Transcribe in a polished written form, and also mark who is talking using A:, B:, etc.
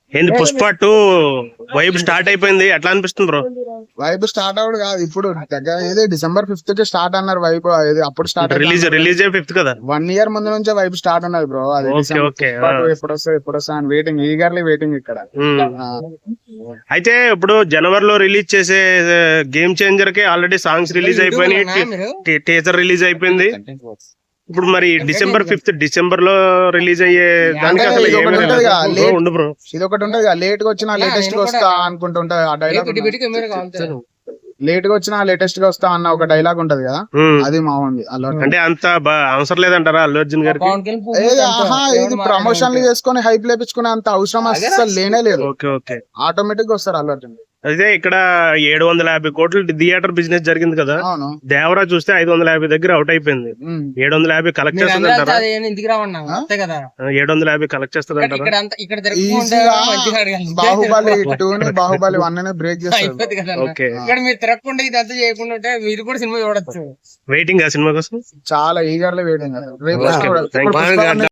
A: ఏంది Pushpa 2 vibe start అయిపోయింది, ఎట్లా అనిపిస్తుంది బ్రో?
B: వైబ్ స్టార్ట్ అవుడు కాదు, ఇప్పుడు దగ్గర ఏదో December 5th కి స్టార్ట్ అన్నారు వైబ్. అప్పుడు స్టార్ట్
A: రిలీజ్ 5th కదా.
B: 1 year ముందు నుంచే వైబ్ స్టార్ట్ అన్నది బ్రో. అది
A: ఓకే.
B: ఎప్పుడు వస్తా అని వెయిటింగ్, ఈగర్లీ వెయిటింగ్ ఇక్కడ.
A: అయితే ఇప్పుడు జనవరిలో రిలీజ్ చేసే గేమ్ చేంజర్ కి ఆల్రెడీ సాంగ్స్ రిలీజ్ అయిపోయినాయి, టీజర్ రిలీజ్ అయిపోయింది. ఇప్పుడు మరి December 5th లో రిలీజ్ అయ్యే దానికి అసలు ఉండు బ్రో.
B: ఇది ఒకటి ఉంటది కదా, లేట్ గా వచ్చినా లేటెస్ట్ గా వస్తా అనుకుంటుంటది ఆ డైలాగ్. లేట్ గా వచ్చినా లేటెస్ట్ గా వస్తా అన్న ఒక డైలాగ్ ఉంటది కదా, అది మా ఉంది.
A: అంటే అంత అవసరం లేదంటారా అల్లు అర్జున్ గారికి?
B: ఇది ప్రమోషన్లు చేసుకుని హైప్ లేపించుకునే అంత అవసరం అసలు లేనే లేదు.
A: ఓకే.
B: ఆటోమేటిక్ గా వస్తారు అల్లు అర్జున్.
A: అయితే ఇక్కడ 750 కోట్లు థియేటర్ బిజినెస్ జరిగింది కదా, దేవరా చూస్తే 550 దగ్గర అవుట్ అయిపోయింది. 750 కలెక్ట్ చేస్తుంది అంటారా? 750 కలెక్ట్ చేస్తుంది అంటారా?
B: బాహుబలి 2 ని బాహుబలి 1 బ్రేక్ చేస్తారు.
A: ఓకే.
C: మీరు తిరగకుండా ఇదంతా చేయకుండా ఉంటే మీరు కూడా సినిమా చూడొచ్చు.
A: వెయిటింగ్ ఆ సినిమా కోసం
B: చాలా ఈగర్లీ వెయిటింగ్.